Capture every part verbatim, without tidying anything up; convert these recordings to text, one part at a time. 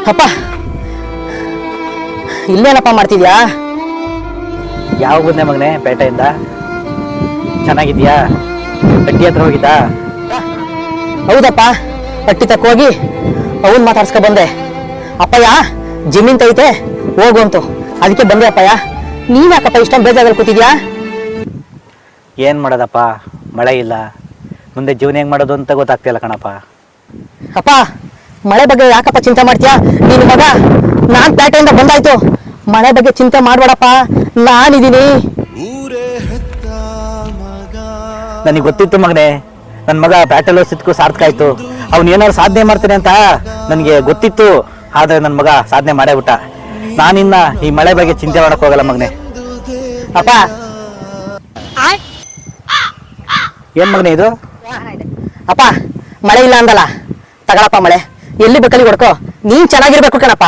ಅಪ್ಪ ಇಲ್ಲೇನಪ್ಪ ಮಾಡ್ತಿದ್ಯಾ? ಯಾವ ಬಂದೆ ಮಗನೆ ಪೇಟೆಯಿಂದ? ಚೆನ್ನಾಗಿದ್ಯಾ? ಅಡ್ಡಿ ಹತ್ರ ಹೋಗಿದ್ದಾ? ಹೌದಪ್ಪ, ಅಟ್ಟಿ ತಕ್ಕ ಹೋಗಿ ಅವನ್ ಮಾತಾಡ್ಸ್ಕೊ ಬಂದೆ. ಅಪ್ಪಯ್ಯ ಜಮೀನ್ ತೈತೆ ಹೋಗು ಅಂತು, ಅದಕ್ಕೆ ಬಂದೆ ಅಪ್ಪಯ್ಯ. ನೀನ್ ಯಾಕಪ್ಪ ಇಷ್ಟೊಂದು ಬೇಜಾರಲ್ಲಿ ಕೂತಿದ್ಯಾ? ಏನ್ ಮಾಡೋದಪ್ಪ, ಮಳೆ ಇಲ್ಲ, ಮುಂದೆ ಜೀವನ ಹೆಂಗ್ ಮಾಡೋದು ಅಂತ ಗೊತ್ತಾಗ್ತಿಲ್ಲ ಕಣಪ್ಪ. ಅಪ್ಪ ಮಳೆ ಬಗ್ಗೆ ಯಾಕಪ್ಪ ಚಿಂತೆ ಮಾಡ್ತೀಯಾ? ನೀನು ಮಗ ನಾನ್ ಪೇಟೆಯಿಂದ ಬಂದಾಯ್ತು, ಮಳೆ ಬಗ್ಗೆ ಚಿಂತೆ ಮಾಡ್ಬೇಡಪ್ಪ, ನಾನಿದ್ದೀನಿ. ನನಗೆ ಗೊತ್ತಿತ್ತು ಮಗನೆ, ನನ್ನ ಮಗ ಬ್ಯಾಟಲ್ ಸಿದ್ಕು ಸಾರ್ಥಕ ಆಯ್ತು. ಅವ್ನು ಏನಾದ್ರು ಸಾಧನೆ ಮಾಡ್ತಾನೆ ಅಂತ ನನಗೆ ಗೊತ್ತಿತ್ತು. ಆದ್ರೆ ನನ್ನ ಮಗ ಸಾಧನೆ ಮಾಡೇ ಬಿಟ್ಟ. ನಾನಿನ್ನ ಈ ಮಳೆ ಬಗ್ಗೆ ಚಿಂತೆ ಮಾಡಕ್ ಹೋಗಲ್ಲ ಮಗನೆ. ಅಪ್ಪ ಏನ್ ಮಗನೆ ಇದು? ಅಪ್ಪ ಮಳೆ ಇಲ್ಲ ಅಂದಲ್ಲ, ತಗಳಪ್ಪ ಮಳೆ, ಎಲ್ಲಿ ಬೇಕಲ್ಲಿ ಹೊಡ್ಕೋ, ನೀನ್ ಚೆನ್ನಾಗಿರ್ಬೇಕು ಕಣಪ್ಪ.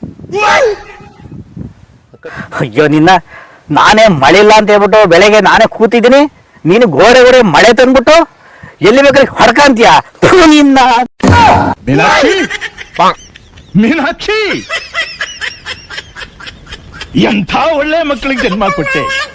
ಅಯ್ಯೋ ನಿನ್ನ, ನಾನೇ ಮಳೆ ಇಲ್ಲ ಅಂತ ಹೇಳ್ಬಿಟ್ಟು ಬೆಳಗ್ಗೆ ನಾನೇ ಕೂತಿದ್ದೀನಿ, ನೀನು ಗೋಡೆ ಗೋಡೆ ಮಳೆ ತಂದ್ಬಿಟ್ಟು ಎಲ್ಲಿ ಬೇಕಾದ್ರೆ ಹೊಡ್ಕಂತೀಯ ನಿನ್ನ. ಮೀನಾಕ್ಷಿ, ಮೀನಾಕ್ಷಿ, ಎಂಥ ಒಳ್ಳೆ ಮಕ್ಕಳಿಗೆ ಜನ್ಮ ಕೊಟ್ಟೆ.